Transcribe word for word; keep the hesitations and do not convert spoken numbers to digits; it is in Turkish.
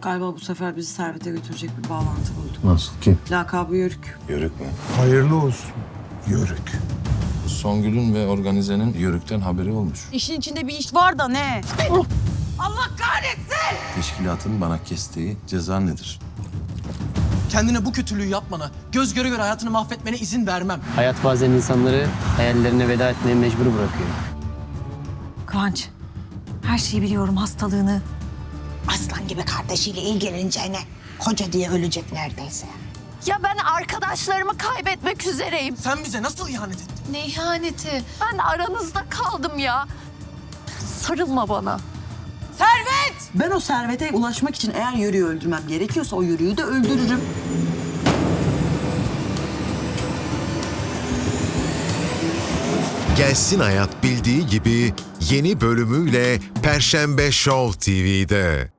Galiba bu sefer bizi Servet'e götürecek bir bağlantı bulduk. Nasıl, kim? Lakabı Yörük. Yörük mü? Hayırlı olsun. Yörük. Songül'ün ve organizenin Yörük'ten haberi olmuş. İşin içinde bir iş var da ne? Teşkilatın bana kestiği ceza nedir? Kendine bu kötülüğü yapmana, göz göre göre hayatını mahvetmene izin vermem. Hayat bazen insanları hayallerine veda etmeye mecbur bırakıyor. Kıvanç, her şeyi biliyorum, hastalığını. Aslan gibi kardeşiyle ilgileneceğine koca diye ölecek neredeyse. Ya ben arkadaşlarımı kaybetmek üzereyim. Sen bize nasıl ihanet ettin? Ne ihaneti? Ben aranızda kaldım ya. Sarılma bana. Ben o servete ulaşmak için eğer Yörük'ü öldürmem gerekiyorsa o Yörük'ü de öldürürüm. Gelsin Hayat bildiği gibi yeni bölümüyle Perşembe Show T V'de.